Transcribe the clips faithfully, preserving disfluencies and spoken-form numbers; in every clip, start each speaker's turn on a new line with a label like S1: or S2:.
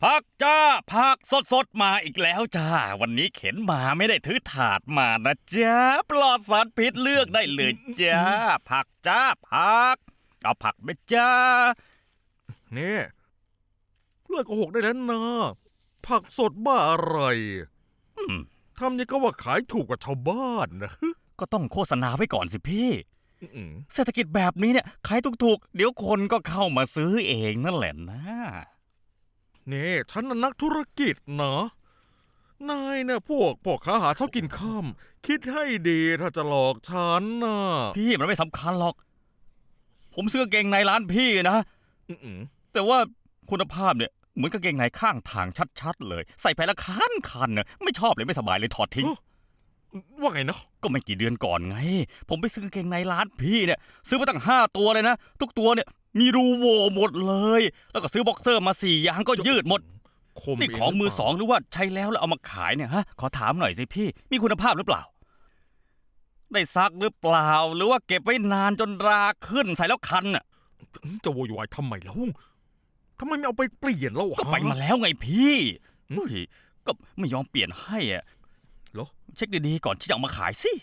S1: ผักจ้าผักสดสดมาอีกแล้วจ้าวันนี้เข็นมาไม่ได้ถือถาดมานะจ้าปลอดสารพิษเลือกได้เลยจ้าผักจ้าผักเอาผักไหมจ้า
S2: นี่เลิกโกหกได้แล้วนะผักสดบ้าอะไรทำยังก็ว่าขายถูกกว่าชาวบ้านนะ
S1: ก็ต้องโฆษณาไว้ก่อนสิพี่เศรษฐกิจแบบนี้เนี่ยขายถูกๆเดี๋ยวคนก็เข้ามาซื้อเองนั่นแหละนะ
S2: นี่ฉันน่ะนักธุรกิจนะนายเนี่ยพวกพวกค้าหาเช้ากินข้ามคิดให้ดีถ้าจะหลอกฉันนะ
S1: พี่มันไม่สำคัญหรอกผมซื้อกางเกงในร้านพี่นะแต่ว่าคุณภาพเนี่ยเหมือนกางเกงในข้างทางชัดๆเลยใส่ไปแล้วคันคันเน่ะไม่ชอบเลยไม่สบายเลยถอดทิ้ง
S2: ว่าไงนะ
S1: ก็ไม่กี่เดือนก่อนไงผมไปซื้อกางเกงในร้านพี่เนี่ยซื้อมาตั้งห้าตัวเลยนะทุกตัวเนี่ยมีรูโหว่หมดเลยแล้วก็ซื้อบ็อกเซอร์มาสี่อย่างก็ยืดหมดนี่ของมือสองหรือว่าใช้แล้วแล้วเอามาขายเนี่ยฮะขอถามหน่อยสิพี่มีคุณภาพหรือเปล่าได้ซักหรือเปล่าหรือว่าเก็บไว้นานจนราขึ้นใส่แล้วคันน่ะ
S2: จะโวยวายทำไมล่ะทำไมไม่เอาไปเปลี่ยนแล้ว
S1: ก็ไปมาแล้วไงพี่ก็ไม่ยอมเปลี่ยนให้อ่ะ
S2: เหรอ
S1: เช็คดีๆก่อนที่จะเอามาขายสิ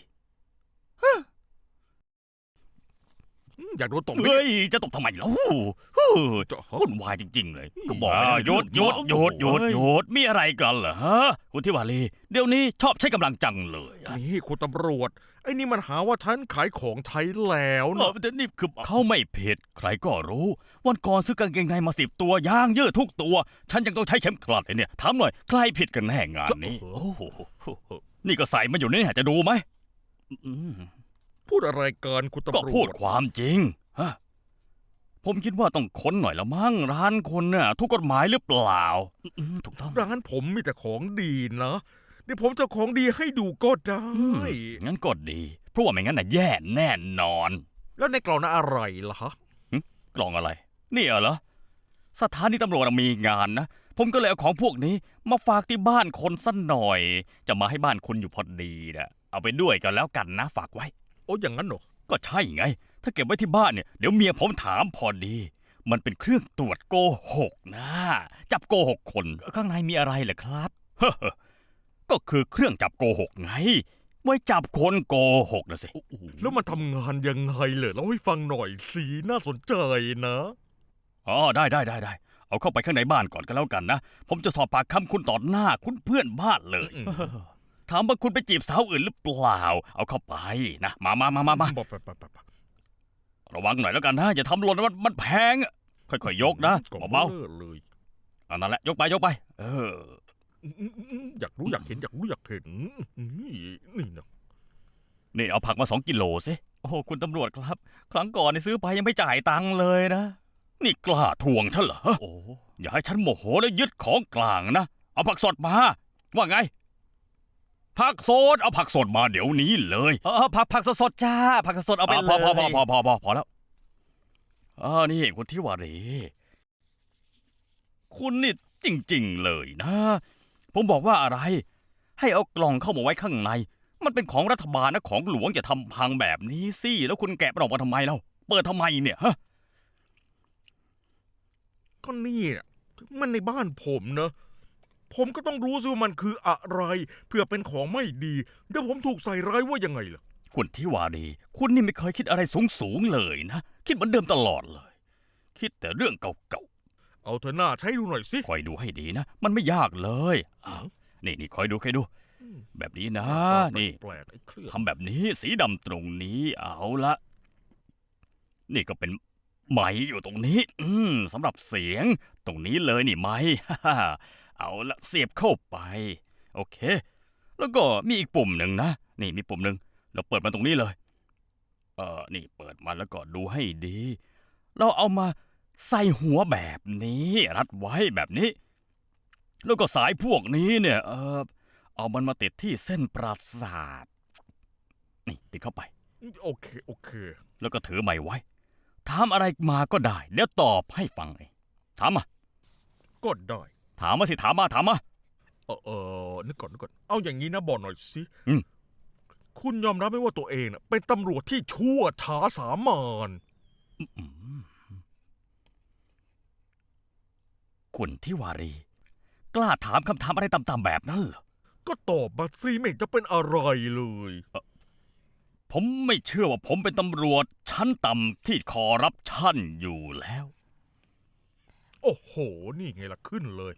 S2: อยากโดนตบ
S1: เฮ้ยจะตบทำไมล่ะวุ่นวายจริงๆเลยก็บอกหยุดหยุดหยุดหยุดหยุดมีอะไรกันเหรอฮะคุณทิวารีเดี๋ยวนี้ชอบใช้กำลังจังเลย
S2: นี่คุณตำรวจไอ้นี่มันหาว่าฉันขายของใช้แล้วนะ
S1: แต่นี่คือเขาไม่ผิดใครก็รู้วันก่อนซื้อกางเกงในมาสิบตัวยางยืดทุกตัวฉันยังต้องใช้เข็มกลัดเลยเนี่ยถามหน่อยใครผิดกันแน่งานนี้นี่ก็ใส่มาอยู่นี่จะดูไหม
S2: พูดอะไรกันคุณตำรวจ
S1: ก็พูดความจริงฮะผมคิดว่าต้องค้นหน่อยละมั้งร้านคนน่ะทุกกฎหมายหรือเปล่าถูกต้อง
S2: ร้านผมมีแต่ของดีนะเดี๋ยวผมจะของดีให้ดูก็ได้
S1: งั้นก็ดีเพราะว่าไม่งั้นน่ะแย่แน่นอน
S2: แล้วในกล่องนั้นอะไรล่ะฮะ
S1: กล่องอะไรนี่เหรอสถานีตำรวจมีงานนะผมก็เลยเอาของพวกนี้มาฝากที่บ้านคนสักหน่อยจะมาให้บ้านคุณอยู่พอดีนะเอาไปด้วยกันแล้วกันนะฝากไว้
S2: โอ้อย่างนั้นเหรอ
S1: ก็ใช่ไงถ้าเก็บไว้ที่บ้านเนี่ยเดี๋ยวเมียผมถามพอดีมันเป็นเครื่องตรวจโกหกนะจับโกหกคนข้างในมีอะไรเหรอครับเฮ้อก็คือเครื่องจับโกหกไงไว้จับคนโกหกนะสิ
S2: แล้วมันทำงานยังไงเลยเล่าให้ฟังหน่อยสิน่าสนใจนะ
S1: อ๋อได้ได้ได้ได้เอาเข้าไปข้างในบ้านก่อนก็แล้วกันนะผมจะสอบปากคำคุณต่อหน้าคุณเพื่อนบ้านเลยถามว่าคุณไปจีบสาวอื่นหรือเปล่าเอาเข้าไปนะมามามามามาระวังหน่อยแล้วกันนะอย่าทำหล่นมันมันแพงค่อยๆยกนะเบาๆเลยอันนั้นแหละยกไปยกไปเออ
S2: อยากรู้อยากเห็นอยากรู้อยากเห็นนี่นี่นะ
S1: นี่เอาผักมาสองกิโลสิโอ้คุณตำรวจครับครั้งก่อนนี่ซื้อไปยังไม่จ่ายตังค์เลยนะนี่กล้าทวงฉันเหรอโอ้อย่าให้ฉันโมโหแล้วยึดของกลางนะเอาผักสดมาว่าไงผักสดเอาผักสดมาเดี๋ยวนี้เลยเออผักผักสดๆจ้าผักสดเอาไปเลยพอพอพอพอพอพอพอแล้วอ่านี่คุณทิวารีคุณนี่จริงๆเลยนะผมบอกว่าอะไรให้เอากล่องเข้ามาไว้ข้างในมันเป็นของรัฐบาลนะของหลวงอย่าทำพังแบบนี้สิแล้วคุณแกะมันออกมาทำไมเล่าเปิดทำไมเนี่ยฮะ
S2: ก็นี่มันในบ้านผมนะผมก็ต้องรู้ซิว่ามันคืออะไรเพื่อเป็นของไม่ดีเดี๋ยวผมถูกใส่ร้ายว่ายังไงล่ะ
S1: คุณทิวารีคุณนี่ไม่เคยคิดอะไรสูงๆเลยนะคิดเหมือนเดิมตลอดเลยคิดแต่เรื่องเก่า
S2: ๆเอาเธอหน้าใช้ดูหน่อยสิ
S1: คอยดูให้ดีนะมันไม่ยากเลยอ้าวนี่นี่คอยดูคอยดูแบบนี้นะนี่ทำแบบนี้สีดำตรงนี้เอาละนี่ก็เป็นไม้อยู่ตรงนี้อืมสำหรับเสียงตรงนี้เลยนี่ไม้เอาละเสียบเข้าไปโอเคแล้วก็มีอีกปุ่มหนึ่งนะนี่มีปุ่มหนึ่งเราเปิดมันตรงนี้เลยเออนี่เปิดมาแล้วก็ดูให้ดีเราเอามาใส่หัวแบบนี้รัดไว้แบบนี้แล้วก็สายพวกนี้เนี่ยเออเอามันมาติดที่เส้นประสาทนี่ติดเข้าไป
S2: โอเคโอเค
S1: แล้วก็ถือไม้ไว้ถามอะไรมาก็ได้เดี๋ยวตอบให้ฟังเองถามมา
S2: ก็ได้
S1: ถามมาสิถามมาถามมา
S2: เออเออนึกก่อนนึกก่อนเอาอย่างนี้นะบอกหน่อยสิคุณยอมรับไหมว่าตัวเองน่ะเป็นตำรวจที่ชั่วช้าสามาน
S1: คุณทิวารีกล้าถามคำถามอะไรต่ำๆแบบนั้นเหรอ
S2: ก็ตอบมาสิไม่เห็นจะเป็นอะไรเลย
S1: ผมไม่เชื่อว่าผมเป็นตำรวจชั้นต่ำที่คอร์รัปชันอยู่แล้ว
S2: โอ้โห นี่ไงล่ะขึ้นเลย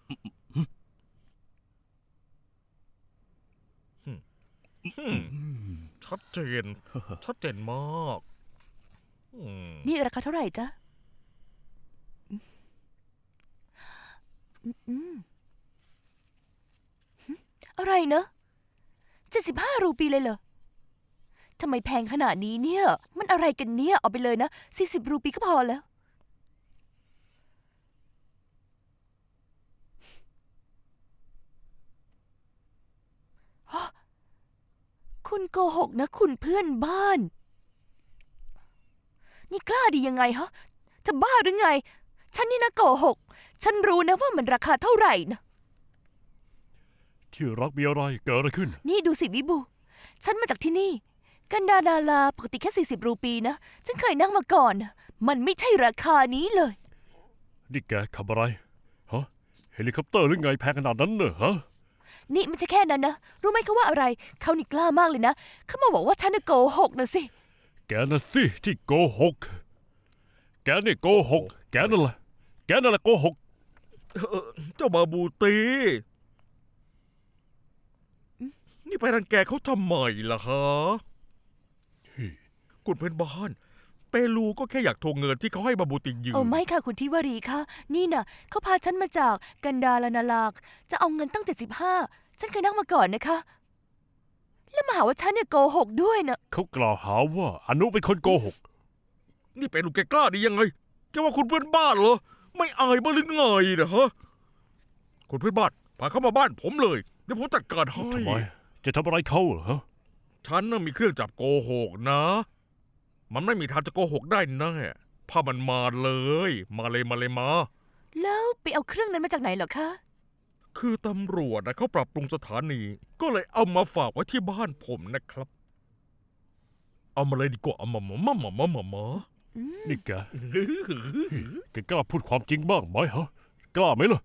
S2: หึหึชัดเจน ชัดเจนมากอืม
S3: นี่ราคาเท่าไหร่จ๊ะอืมอืมหึอะไรเนอะเจ็ดสิบห้ารูปีเลยเหรอทำไมแพงขนาดนี้เนี่ย มันอะไรกันเนี่ย เอาไปเลยนะสี่สิบรูปีก็พอแล้ว คุณโกหกนะ คุณเพื่อนบ้าน นี่กล้าดียังไงฮะ จะบ้าหรือไง ฉันนี่นะโกหก ฉันรู้นะว่ามันราคาเท่าไหร่นะ
S4: ที่รักมีอะไรเกิดอะไรขึ้น
S3: นี่ดูสิวิบู ฉันมาจากที่นี่ กันดานาลาปกติแค่สี่สิบรูปีนะ ฉันเคยนั่งมาก่อนนะมันไม่ใช่ราคานี้เลย
S4: นี่แกขับอะไรฮะเฮลิคอปเตอร์หรือไงแพงขนาดนั้นเนอะฮะ
S3: นี่ไม่ใช่แค่นั้นนะ รู้ไหมเขาว่าอะไร เขานี่กล้ามากเลยนะ เขามาบอกว่าฉันน่ะโกหกนะสิ
S4: แกน่ะสิที่โกหก แกนี่โกหก แกนั่นแหละแกนั่นแหละโกหก
S2: เอ่อเจ้าบาบูตี นี่ไปรังแกเขาทำไมล่ะฮะคุณเป็นบ้าน เปรูก็แค่อยากทวงเงินที่เขาให้บาบูติยืม
S3: โอ้ไม่ค่ะคุณทิวารีค่ะ นี่น่ะเขาพาฉันมาจากกันดาลนาลาก จะเอาเงินตั้งเจ็ดสิบห้าฉันเคยนั่งมาก่อนนะคะ แล้วมาหาว่าฉันเนี่ยโกหกด้วยนะ
S4: เขากล่าวหาว่าอนุเป็นคนโกหก
S2: นี่เปรูแกกล้าดียังไงแกว่าคุณเพื่อนบ้านเหรอ ไม่อายบ้างหรือไงนะฮะ คุณเพื่อนบ้านพาเขามาบ้านผมเลย เดี๋ยวผมจัดการให้
S4: ทำไม จะทำอะไรเขาเหรอฮะ
S2: ฉันน่ะมีเครื่องจับโกหกนะ มันไม่มีทางจะโกหกได้แน่พามันมาเลย มาเลยมาเลยมา
S3: แล้วไปเอาเครื่องนั้นมาจากไหนเหรอคะ
S2: คือตำรวจนะเขาปรับปรุงสถานี ก็เลยเอามาฝากไว้ที่บ้านผมนะครับ เอามาเลยดีกว่าเอามามามามามามามา
S4: นี่แก แกกล้าพูดความจริงบ้างไหมฮะ กล้าไหมล่ะ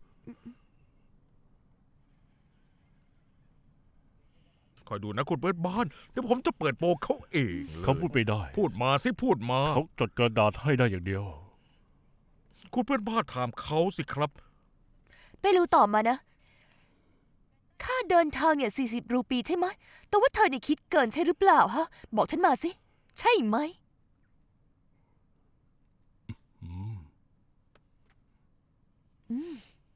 S2: คอยดูนะคุณเปิดบ้าน เดี๋ยวผมจะเปิดโปงเขาเองเลย
S4: เขาพูดไม่ได้
S2: พูดมาสิพูดมา
S4: เขาจดกระดาษให้ได้อย่างเดียว
S2: คุณเพื่อนบ้านถามเขาสิครับ
S3: ไปรู้ต่อมานะ ค่าเดินทางเนี่ยสี่สิบรูปีใช่ไหม แต่ว่าเธอเนี่ยคิดเกินใช่หรือเปล่าฮะ บอกฉันมาสิ ใช่ไหม
S4: อืม
S3: อืม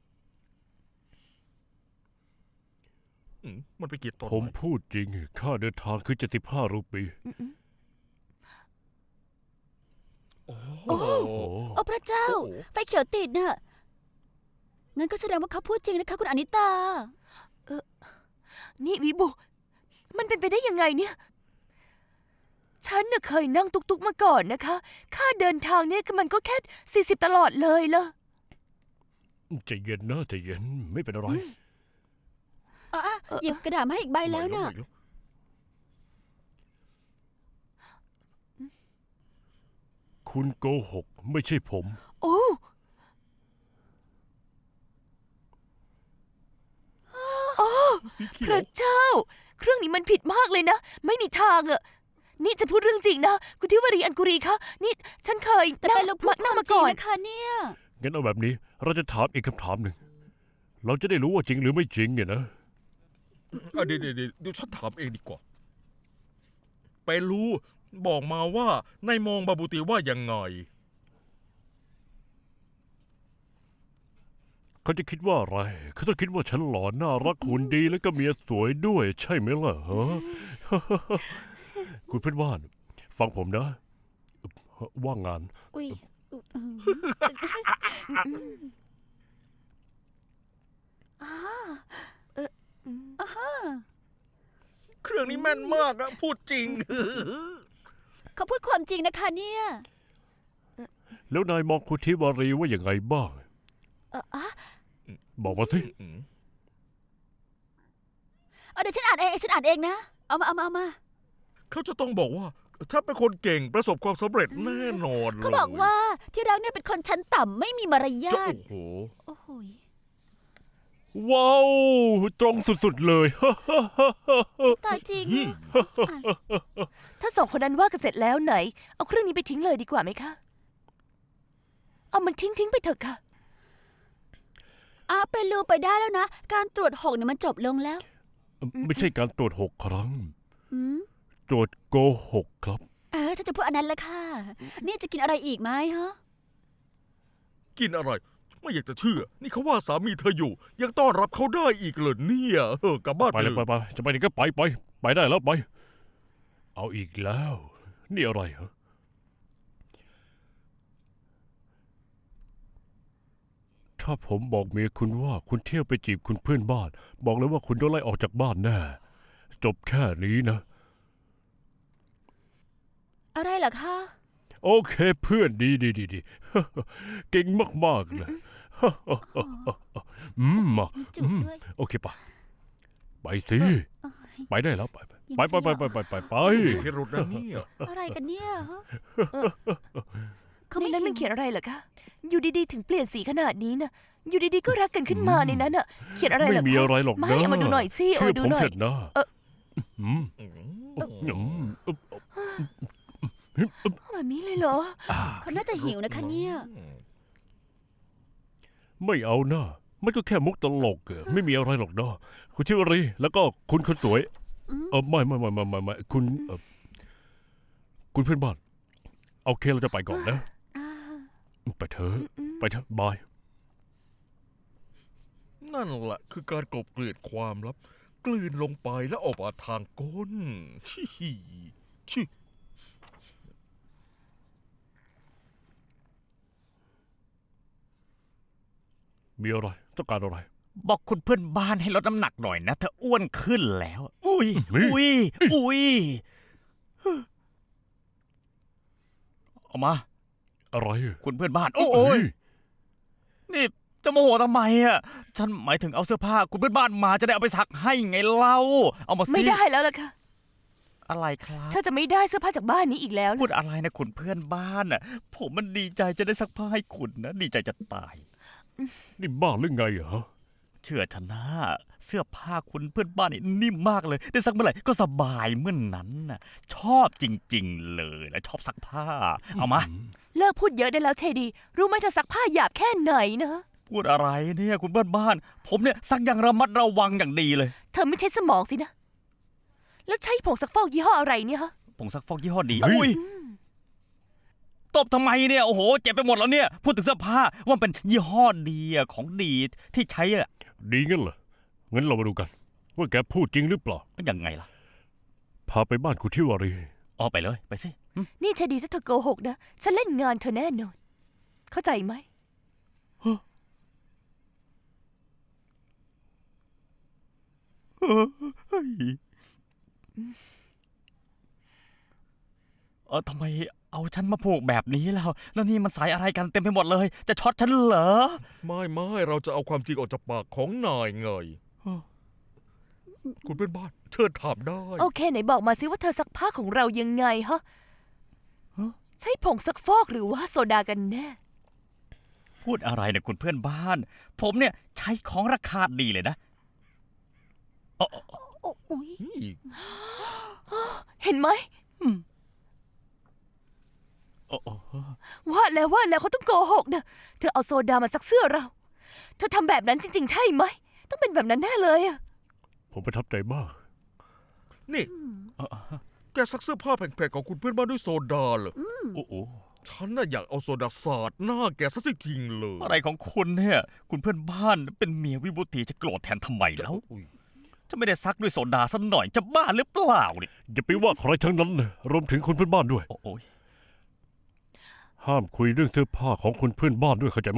S2: อืมมันไปกี่ตอน
S4: ผมพูดจริง ค่าเดินทางคือเจ็ดสิบห้ารูปี
S3: อืมอืม
S2: โอ้
S3: โอ้
S2: โห
S5: โอ้พระเจ้า
S2: โอ้โห
S5: ไฟเขียวติดน่ะ งั้นก็แสดงว่าเขาพูดจริงนะคะคุณอนิตา
S3: นี่วิบุ มันเป็นไปได้ยังไงเนี่ย ฉันน่ะเคยนั่งตุกๆมาก่อนนะคะ ค่าเดินทางเนี่ยมันก็แค่สี่สิบตลอดเลยล่ะ
S4: ใจเย็นนะใจเย็นไม่เป็นอะไร
S5: อ่ะอ่ะหยิบกระดาษมาให้อีกใบแล้วน่ะ
S2: ไม่
S4: คุณโกหก ไม่ใช่ผม
S3: โอ้
S2: สีเขี
S3: พ
S2: ยว
S3: ระเจ้า เครื่องนี้มันผิดมากเลยนะ ไม่มีทางอะนี่จะพูดเรื่องจริงนะ คุณทิวารีอันกุรีคะ นี่ฉันเคย
S5: แต่
S3: นั่ง
S5: เป็นลูกพูดค
S3: นั่ง
S5: วาม
S3: มา
S5: จริง
S3: ก่อน
S5: นะคะเนี่ย
S4: งั้นเอาแบบนี้ เราจะถามอีกคำถามหนึ่ง เราจะได้รู้ว่าจริงหรือไม่จริงเนี่ยนะ
S2: อ่ะเดี๋ยวเดี๋ยวเดี๋ยวเดี๋ยวฉันถามเองดีกว่า ไปรู้บอกมาว่านายมองบาบูตีว่ายังไง
S4: เขาจะคิดว่าอะไร เขาต้องคิดว่าฉันหล่อน่ารักหุ่นดีแล้วก็เมียสวยด้วย ใช่ไหมล่ะฮะ คุณเพื่อนบ้าน ฟังผมนะ ว่างงาน
S5: อุ้ยอุ๊ยอืมอ่า
S3: อืม
S5: อ่าฮะ
S2: เครื่องนี้แม่นมากอะพูดจริง
S5: เขาพูดความจริงนะคะเนี่ย
S4: แล้วนายมองคุณทิวารีว่าอย่างไงบ้าง
S5: เอออ่ะ
S4: บอกมาสิ
S5: เอาเดี๋ยวฉันอ่านเองฉันอ่านเองนะ เอามาเอามาเอามา
S2: เขาจะต้องบอกว่าถ้าเป็นคนเก่งประสบความสำเร็จแน่นอนเลย
S5: เขาบอกว่าที่รักเนี่ยเป็นคนชั้นต่ำไม่มีมารยา
S2: จะ
S5: ท
S2: โอ้โห
S5: โอ้โหย
S4: ว้าว ตรงสุดๆเลย
S5: ตายจริง
S2: นี่
S3: ถ้าสองคนนั้นว่ากันเสร็จแล้วไหน เอาเครื่องนี้ไปทิ้งเลยดีกว่าไหมคะ เอามันทิ้งทิ้งๆไปเถอะค่ะ
S5: อาเป็นรูไปได้แล้วนะ การตรวจหกเนี่ยมันจบลงแล้ว
S4: ไม่ใช่การตรวจหกครั้ง
S5: อืม
S4: ตรวจโกหกครับ
S5: เออถ้าจะพูดอันนั้นละค่ะ นี่จะกินอะไรอีกไหมฮะ
S2: กินอะไร ไม่อยากจะเชื่อ นี่เขาว่าสามีเธออยู่ ยังต้อนรับเขาได้อีกเหรอเนี่ยเออกลับบ้าน
S4: ไป
S2: ไป
S4: เล
S2: เลย ย
S4: ไปไปจะไปไหนก็ไปไปไปได้แล้วไป เอาอีกแล้ว นี่อะไรเหรอถ้าผมบอกเมียคุณว่าคุณเที่ยวไปจีบคุณเพื่อนบ้าน บอกเลยว่าคุณโดนไล่ออกจากบ้านแน่ จบแค่นี้นะ
S5: อะไรเหรอคะ
S4: โอเคเพื่อนดีดีดีดี เก่งมากๆเลย อืมมา
S5: จุดด้วย
S4: โอเคปะไปสิไปได้แล้วไปไป
S5: ยิ้ม
S4: ไปไปไป
S5: สิ
S4: ไป
S5: อ่ะ
S4: ไปไปไป
S2: พิรุษนะเนี่ย
S5: อะไรกันเนี่ยฮะ เขา
S3: ใน
S5: ไม่
S3: นั้นมัน
S5: เห็น
S3: เขียนอะไรเหรอคะ อยู่ดีๆ ถึงเปลี่ยนสีขนาดนี้นะอยู่ดีๆ ก็รักกันขึ้นมาในนั้นอะเขียนอะไรเหร
S4: ไม่
S3: อคะ
S4: มีอะไรหรอก
S3: ไม่
S4: นะ
S3: เอามาดูหน่อยสิเอา
S4: เชื่อ
S3: มาดู
S4: ผม
S3: หน่อย
S4: เถอะนะ
S3: เออ
S4: อืม
S2: อืม
S4: อืมอึ๊บ
S3: แบบนี้เลยเหรอ
S5: เขาน่าจะหิวนะคะเนี่ย
S4: ไม่เอานะมันก็แค่มุกตลกอะไม่มีอะไรหรอกนะคุณชิวรีแล้วก็คุณคนสวย
S5: อืม
S4: เออไม่ไม่ไม่ไม่ไม่ไม่คุณเออคุณเพื่อนบ้านโอเคเราจะไปก่อนนะ
S5: อ่า
S4: ไปเถอะไปเถอะบาย
S2: นั่นแหละคือการกลบเกลื่อนความลับ กลืนลงไปแล้วออกมาทางก้นชิฮิชิ
S4: มีอะไรต้องการอะไร
S1: บอกคุณเพื่อนบ้านให้ลดน้ำหนักหน่อยนะเธออ้วนขึ้นแล้ว อุ้ย
S4: เฮ้ย
S1: อุ้ย อุ้ย เอามา
S4: อะไร
S1: คุณเพื่อนบ้าน โอ้โอ้ยนี่จะโมโหทำไมอ่ะ ฉันหมายถึงเอาเสื้อผ้า คุณเพื่อนบ้านมาจะได้เอาไปซักให้ไงเล่า เอามาสิ
S3: ไม่ได้แล้วล่ะค่ะ
S1: อะไรครับ
S3: เธอจะไม่ได้เสื้อผ้าจากบ้านนี้อีกแล้ว
S1: พูด
S3: ล่ะ
S1: อะไรนะคุณเพื่อนบ้านอ่ะ ผมมันดีใจจะได้ซักผ้าให้คุณนะ ดีใจจะตาย
S4: นี่บ้าหรือไงเหรอ
S1: เชื่อฉันนะเสื้อผ้าคุณเพื่อนบ้านนี่นิ่มมากเลย ได้ซักเมื่อไหร่ก็สบายเมื่อนนั้นน่ะ ชอบจริง ๆ เลยและชอบซักผ้า เอามา
S3: เลิกพูดเยอะได้แล้วเชดี รู้ไหมเธอซักผ้าหยาบแค่ไหนนะ
S1: พูดอะไรเนี่ยคุณเพื่อนบ้าน ผมเนี่ยซักอย่างระมัดระวังอย่างดีเลย
S3: เธอไม่ใช่สมองสินะ แล้วใช้ผงซักฟอกยี่ห้ออะไรเนี่ยฮะ
S1: ผงซักฟอกยี่ห้อดี
S4: เฮ้ย
S1: อุ้ยตบทำไมเนี่ยโอ้โหเจ็บไปหมดแล้วเนี่ย พูดถึงเสื้อผ้าว่ามันเป็นยี่ห้อดีอะของดีที่ใช้อะ
S4: ดีงั้นเหรองั้นเรามาดูกัน ว่าแกพูดจริงหรือเปล่า
S1: ยังไงล่ะ
S4: พาไปบ้านคุณทิวารี
S1: เอาไปเลยไปสิหึ
S3: นี่เชดีถ้าเธอโกหกนะ ฉันเล่นงานเธอแน่นอน เข้าใจไหม
S1: เฮ้ยเออทำไมเอาฉันมาผูกแบบนี้แล้ว แล้วนี่มันสายอะไรกันเต็มไปหมดเลย จะช็อตฉันเหรอ
S2: ไม่ไม่เราจะเอาความจริงออกจากปากของนายไง
S1: ฮะ
S2: คุณเป็นบ้านเชิญถามได้
S3: โอเคไหนบอกมาสิว่าเธอซักผ้าของเรายังไงฮะ ใช้ผงซักฟอกหรือว่าโซดากันแน่
S1: พูดอะไรเนี่ยคุณเพื่อนบ้าน ผมเนี่ยใช้ของราคาดีเลยนะเอ๋อ
S5: โอ้โอ้ย
S2: นี่
S3: เห็นไหม
S1: เอ๋อ
S3: ว่าแล้วว่าแล้วเขาต้องโกหกนะ เธอเอาโซดามาซักเสื้อเรา เธอทำแบบนั้นจริง ๆ ใช่ไหม ต้องเป็นแบบนั้นแน่เลยอะ
S4: ผมประทับใจมาก
S2: นี่
S1: เอ๋อ
S2: แกซักเสื้อผ้าแพงๆของคุณเพื่อนบ้านด้วยโซดาเหรอ
S1: โอ้โห
S2: ฉันน่ะอยากเอาโซดาสาดหน้าแกซะจริงๆเลย
S1: อะไรของคุณเนี่ย คุณเพื่อนบ้านเป็นเมียวิบูตีจะโกรธแทนทำไมแล้ว
S2: อุ๊ย
S1: จะไม่ได้ซักด้วยโซดาสักหน่อยจะบ้าหรือเปล่าเนี่ย
S4: อย่าไปว่าใครทั้งนั้นนะรวมถึงคนเพื่อนบ้านด้วย
S1: โอ้โอย
S4: ห้ามคุยเรื่องเสื้อผ้าของคนเพื่อนบ้านด้วยเข้าใจไหม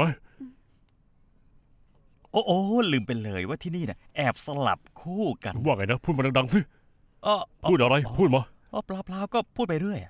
S1: โอ้โอ้ลืมไปเลยว่าที่นี่เนี่ยแอบสลับคู่กัน
S4: ว่าไงนะพูดมาดังๆสิ
S1: เออ
S4: พูดอะไรพูดมา
S1: เออเปล่าเปล่าก็พูดไปเรื่อย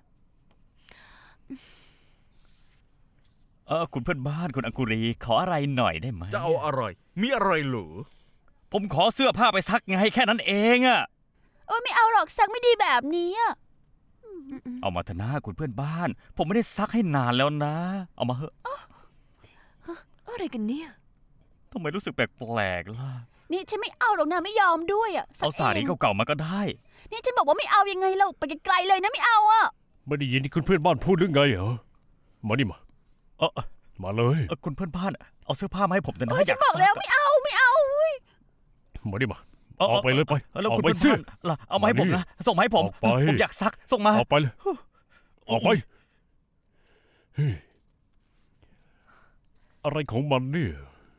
S1: เออคุณเพื่อนบ้านคุณอังกุรีขออะไรหน่อยได้ไหม
S2: จะเอาอะไร มีอะไรเหรอ
S1: ผมขอเสื้อผ้าไปซักไงแค่นั้นเองอะ
S5: โอ้ยไม่เอาหรอกซักไม่ดีแบบนี้อะ
S1: เอามาเถอะนะคุณเพื่อนบ้าน ผมไม่ได้ซักให้นานแล้วนะ เอามาเถอะ
S3: อะไรกันเนี่ย
S1: ทำไมรู้สึกแปลกๆล่ะ
S5: นี่ฉันไม่เอาหรอกนะไม่ยอมด้วยอ่ะ
S1: เอาสารี
S5: ง
S1: เก่าๆมาก็ได้
S5: นี่ฉันบอกว่าไม่เอายังไงเราไปไกลๆเลยนะไม่เอาอ่ะ
S4: ไม่ได้ยินที่คุณเพื่อนบ้านพูดหรือไงเหรอมานี่มา
S1: เออ
S4: มาเลย
S1: เออคุณเพื่อนบ้านเอาเสื้อผ้ามาให้ผมแต่นะ
S5: เออ
S1: อ
S5: ฉั
S1: ยาน ก
S5: บอก
S1: ซั
S5: แล้ว
S1: ก
S5: ไม่เอาไม่เอาเว้ย
S4: มานี่มา
S1: เออ
S4: ออกไปเลยไป
S1: เออแล้ว
S4: ออ
S1: คุ
S4: ก
S1: ณ
S4: ไป
S1: เพื่อน
S4: สิ
S1: บ้านล่ะเอามาให้ผมนะส่งมาให้ผม
S4: ออกไป
S1: ผมอยากซักส่งมา
S4: ออกไปเลยออกไปเฮ้ยอะไรของมันเนี่ย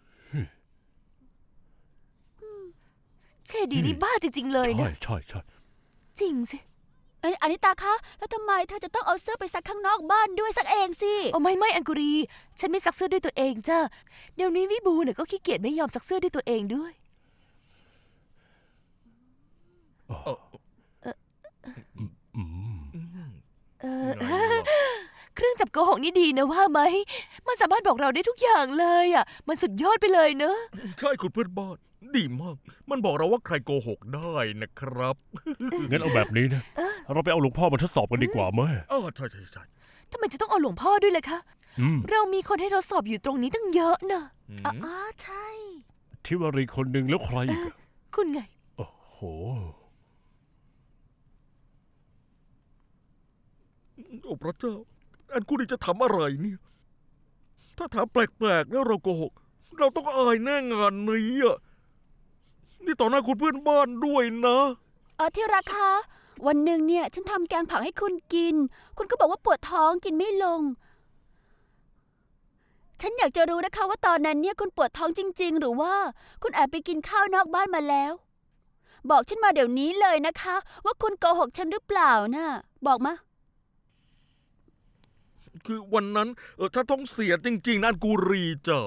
S3: เชดีนี่บ้าจริง ๆ เลย
S4: ใช่
S3: นะ
S4: ใช่ใช่
S3: จริงสิ
S5: เอ้ยอานิตาคะแล้วทำไมเธอจะต้องเอาเสื้อไปซักข้างนอกบ้านด้วยซักเองสิ
S3: เอาไม่ไม่อันกุรี ฉันไม่ซักเสื้อด้วยตัวเองจ้าเดี๋ยวนี้วิบูเนี่ยก็ขี้เกียจไม่ยอมซักเสื้อด้วยตัวเองด้วย
S4: อืม
S3: เออ
S2: ไงล่ะ
S3: เครื่องจับโกหกนี่ดีนะว่าไหม มันสามารถบอกเราได้ทุกอย่างเลยอ่ะ มันสุดยอดไปเลยเนอะ
S2: ใช่คุณเพื่อนบ้าน ดีมาก มันบอกเราว่าใครโกหกได้นะครับ
S4: งั้นเอาแบบนี้นะเราไปเอาหลวงพ่อมาทดสอบกันดีกว่าไหม
S2: เออใช่ใช่ใช่
S3: ทำไมจะต้องเอาหลวงพ่อด้วยล่ะคะ
S4: อืม
S3: เรามีคนให้ทดสอบอยู่ตรงนี้ตั้งเยอะนะ
S2: อืม
S5: อ๋ออ๋อใช่
S4: ทิวารีคนหนึ่งแล้วใครอีกอะ
S3: คุณไง
S4: โอ้โห
S2: โอ้พระเจ้า อันกูนี่จะทำอะไรเนี่ย ถ้าถามแปลกๆแล้วเราโกหก เราต้องอายแน่งานนี้อ่ะ นี่ต่อหน้าคุณเพื่อนบ้านด้วยนะ
S5: เออที่ราคาวันหนึ่งเนี่ยฉันทำแกงผักให้คุณกิน คุณก็บอกว่าปวดท้องกินไม่ลง ฉันอยากจะรู้นะคะว่าตอนนั้นเนี่ยคุณปวดท้องจริง ๆ หรือว่าคุณแอบไปกินข้าวนอกบ้านมาแล้ว บอกฉันมาเดี๋ยวนี้เลยนะคะ ว่าคุณโกหกฉันหรือเปล่านะบอกมา
S2: คือวันนั้นเออฉันท้องเสียจริง ๆนะอันกูรีจ๋า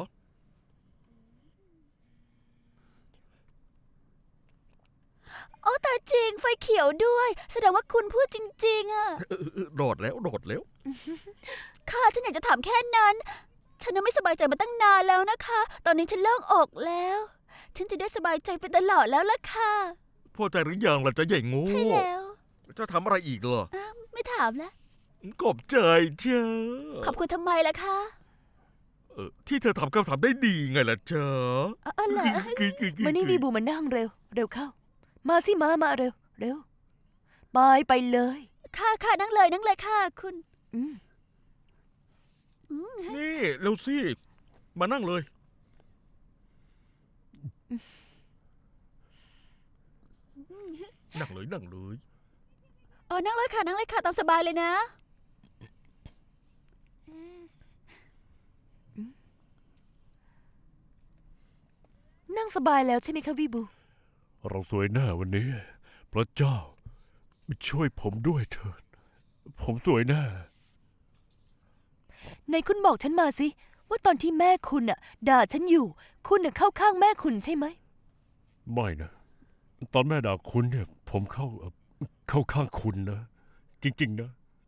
S5: โอ้แต่จริงไฟเขียวด้วย แสดงว่าคุณพูดจริง ๆอะ
S2: เออเออรอดแล้วรอดแล้ว
S5: ค่ะฉันอยากจะถามแค่นั้น ฉันน่ะไม่สบายใจมาตั้งนานแล้วนะคะ ตอนนี้ฉันโล่งอกแล้ว ฉันจะได้สบายใจไปตลอดแล้วล่ะค่ะ
S2: พอใจหรือยังล่ะจะใหญ่โง่
S5: ใช่แล้ว
S2: จะทำอะไรอีกเหรอ
S5: อ้าวไม่ถามแล้ว
S2: ขอบใจเจ้า
S5: ขอบคุณทำไมล่ะคะ
S2: เออที่เธอทำคำถามได้ดีไงล่ะเจ้า
S5: อ๋อเหรอ
S2: คือคือคือ
S3: มานี่วีบูมานั่งเร็ว เร็วเข้า มาสิมามาเร็ว เร็วไปไปเลย
S5: ค่ะค่ะนั่งเลยนั่งเลยค่ะ คุณ
S3: อืม
S5: อืม
S2: นี่เร็วสิมานั่งเลย นั่งเลยนั่งเลย
S5: อ๋อนั่งเลยค่ะนั่งเลยค่ะตามสบายเลยนะ
S3: นั่งสบายแล้วใช่ไหมคะวีบู
S4: เราสวยหน้าวันนี้ พระเจ้า ช่วยผมด้วยเถิด ผมสวยหน้า
S3: ในคุณบอกฉันมาสิ ว่าตอนที่แม่คุณน่ะ ด่าฉันอยู่ คุณน่ะเข้าข้างแม่คุณใช่ไหม
S4: ไม่นะ ตอนแม่ด่าคุณเนี่ย ผมเข้าเอ่อเข้าข้างคุณนะ จริง ๆ นะ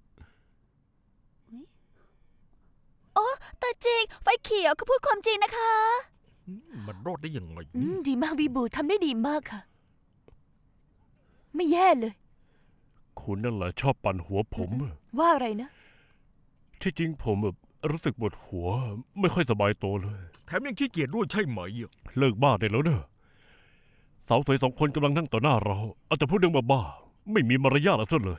S5: แต่จริงไฟเขียวก็พูดความจริงนะคะ
S2: มันรอดได้ยังไง
S3: อืม ดีมากวีบูทำได้ดีมากค่ะ ไม่แย่เลย
S4: คุณนั่นแหละชอบปั่นหัวผมอะ
S3: ว่าอะไรนะ
S4: ที่จริงผมแบบรู้สึกปวดหัว ไม่ค่อยสบายตัวเลย
S2: แถมยังขี้เกียจด้วยใช่ไหมอ่ะ
S4: เลิกบ้าได้แล้วเนอะสาวสวยสองคนกำลังนั่งต่อหน้าเราเอาแต่พูดเรื่องบ้าๆไม่มีมารยาทอะไรเลย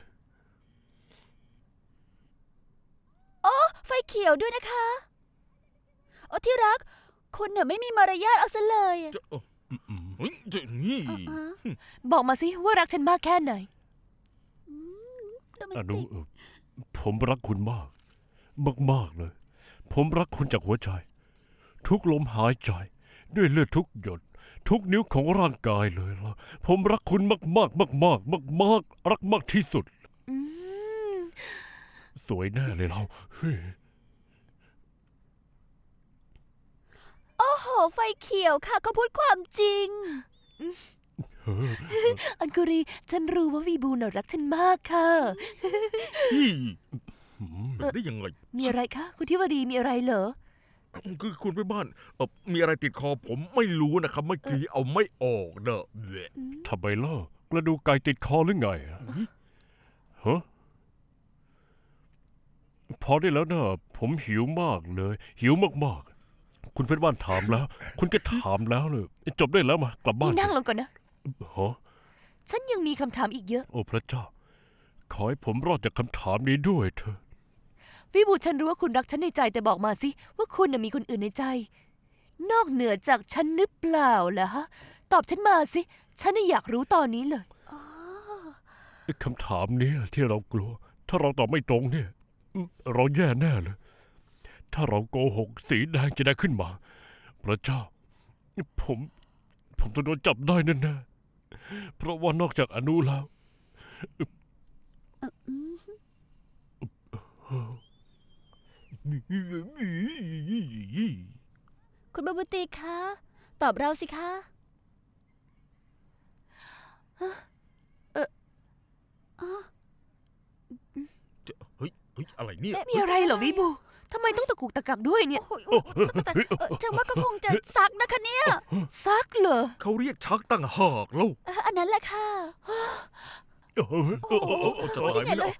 S5: ไฟเขียวด้วยนะคะโอ้ที่รัก คุณเนี่ยไม่มีมารยาทเอาซะเลยอะ
S2: จะเออเฮ้ยจะนี่
S5: อ๋อ
S3: บอกมาสิว่ารักฉันมากแค่ไหน
S5: โรแม
S4: อน นุ
S5: ติก
S4: เอ่อผมรักคุณมาก มากๆเลย ผมรักคุณจากหัวใจ ทุกลมหายใจ ด้วยเลือดทุกหยด ทุกนิ้วของร่างกายเลยล่ะผมรักคุณมากๆมากๆมากๆมากๆรักมากที่สุด
S3: อืม
S4: สวยแน่เลยเราเฮ้ย
S5: โอ้โห ไฟเขียวค่ะเขาพูดความจริง
S4: เฮ้ย
S3: อันกุรี ฉันรู้ว่าวีบูน่ะรักฉันมากค่ะ
S2: นี่
S4: หืม
S2: เป็นได้ยังไง
S3: มีอะไรคะ คุณทิวดีมีอะไรเหรอ
S2: คือคุณไปบ้านเออมีอะไรติดคอผมไม่รู้นะครับเมื่อกี้เอาไม่ออกเนอะแหละ
S4: ทำไมล่ะกระดูกไก่ติดคอหรือไงอะฮะพอได้แล้วนะผมหิวมากเลย หิวมากๆคุณเพื่อนบ้านถามแล้ว คุณก็ถามแล้วเลยจบได้แล้วมากลับบ้า
S3: นี่
S4: น
S3: นั่งลงก่อนนะ
S4: ฮะ
S3: ฉันยังมีคำถามอีกเยอะ
S4: โอ้พระเจ้า ขอให้ผมรอดจากคำถามนี้ด้วยเถอะ
S3: วิบูฉันรู้ว่าคุณรักฉันในใจแต่บอกมาสิ ว่าคุณน่ะมีคนอื่นในใจ นอกเหนือจากฉันหรือเปล่าล่ะฮะ ตอบฉันมาสิ ฉันน่ะอยากรู้ตอนนี้เลย
S5: อ๋อ
S4: ไอ้คำถามเนี้ยที่เรากลัว ถ้าเราตอบไม่ตรงเนี่ยอืมเราแย่แน่เลย ถ้าเราโกหกสีแดงจะได้ขึ้นมา พระเจ้า ผม ผมจะโดนจับได้แน่ๆเพราะว่านอกจากอนุแล้ว
S5: คุณบาบูตีคะ ตอบเราสิคะ
S2: เฮ้ยเฮ้ยอะไรเนี่ย
S3: มีอะไรเหรอวิบูทำไมต้องตะกุกตะกักด้วยเนี่ย
S5: โอ้ยโอ้ยแต่เอ่อฉันว่าก็คงจะซักนะคะเนี่ย
S3: ซักเหรอ
S2: เขาเรียกชักตั้งหากแล้ว
S5: เอ่ออันนั้นแหละค่ะ
S4: เออเออเออเออ
S2: จะตายไหม
S5: นี่ไงเล
S2: เนี่ย
S5: ย